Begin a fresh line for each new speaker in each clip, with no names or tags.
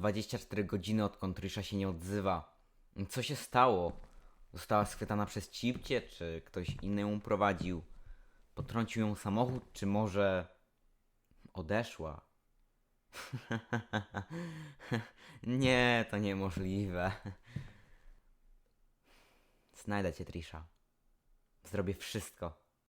24 godziny, odkąd Trisha się nie odzywa. Co się stało? Została schwytana przez Cipcie, czy ktoś inny ją prowadził? Potrącił ją samochód, czy może odeszła? Nie, to niemożliwe. Znajdę cię, Trisha. Zrobię wszystko.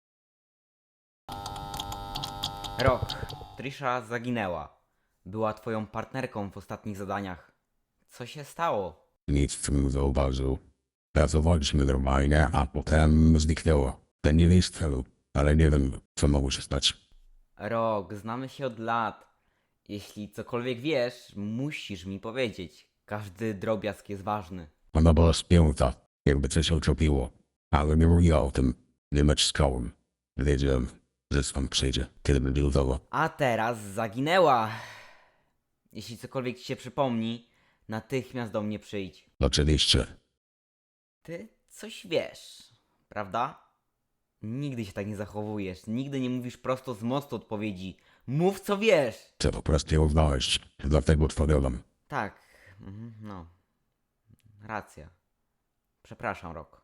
Rok. Trisha zaginęła. Była twoją partnerką w ostatnich zadaniach. Co się stało?
Nic w tym zauważył. Pracowaliśmy normalnie, a potem zniknęło. Ten nie jest celu, ale nie wiem, co mogło się stać.
Rok, znamy się od lat. Jeśli cokolwiek wiesz, musisz mi powiedzieć. Każdy drobiazg jest ważny.
Ona była spięta, jakby coś uczepiło, ale nie mówiła o tym. Nie naciskałem. Wiedziałem, że sam przyjdzie, kiedy będzie gotowa.
A teraz zaginęła. Jeśli cokolwiek ci się przypomni, natychmiast do mnie przyjdź.
Oczywiście.
Ty coś wiesz, prawda? Nigdy się tak nie zachowujesz. Nigdy nie mówisz prosto z mostu odpowiedzi. Mów co wiesz.
Chcę po prostu ją znaleźć, dlatego tworzyłem.
Tak, no. Racja. Przepraszam, Rok.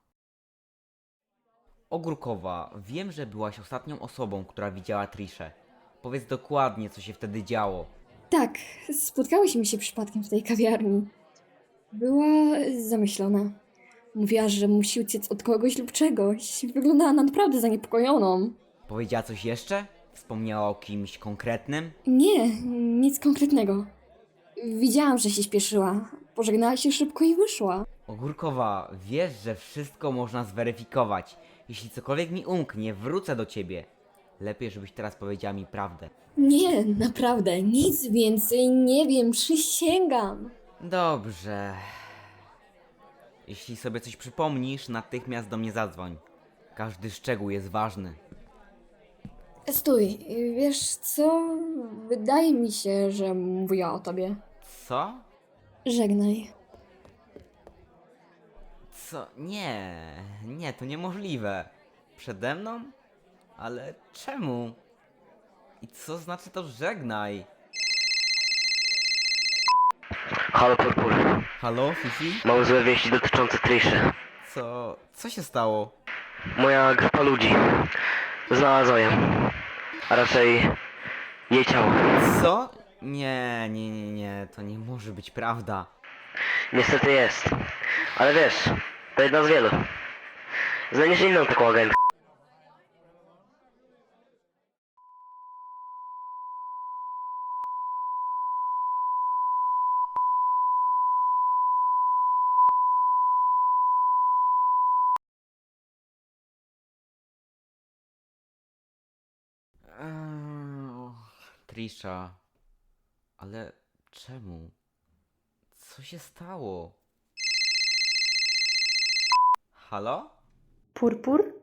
Ogórkowa, wiem, że byłaś ostatnią osobą, która widziała Triszę. Powiedz dokładnie, co się wtedy działo.
Tak, spotkałyśmy się przypadkiem w tej kawiarni. Była zamyślona. Mówiła, że musi uciec od kogoś lub czegoś. Wyglądała na naprawdę zaniepokojoną.
Powiedziała coś jeszcze? Wspomniała o kimś konkretnym?
Nie, nic konkretnego. Widziałam, że się śpieszyła. Pożegnała się szybko i wyszła.
Ogórkowa, wiesz, że wszystko można zweryfikować. Jeśli cokolwiek mi umknie, wrócę do ciebie. Lepiej, żebyś teraz powiedziała mi prawdę.
Nie, naprawdę, nic więcej nie wiem, przysięgam.
Dobrze. Jeśli sobie coś przypomnisz, natychmiast do mnie zadzwoń. Każdy szczegół jest ważny.
Stój, wiesz co? Wydaje mi się, że mówiła o tobie.
Co?
Żegnaj.
Co? Nie, to niemożliwe. Przede mną? Ale czemu? I co znaczy to żegnaj?
Halo Purpur,
Halo, Fifi?
mam złe wieści dotyczące Triszy.
Co się stało?
Moja grupa ludzi znalazła ją, a raczej jej ciało.
Co? Nie, to nie może być prawda.
Niestety jest, ale wiesz, to jedna z wielu. Znajdziesz inną taką agentkę.
Trisha, ale czemu? Co się stało? Halo?
Purpur?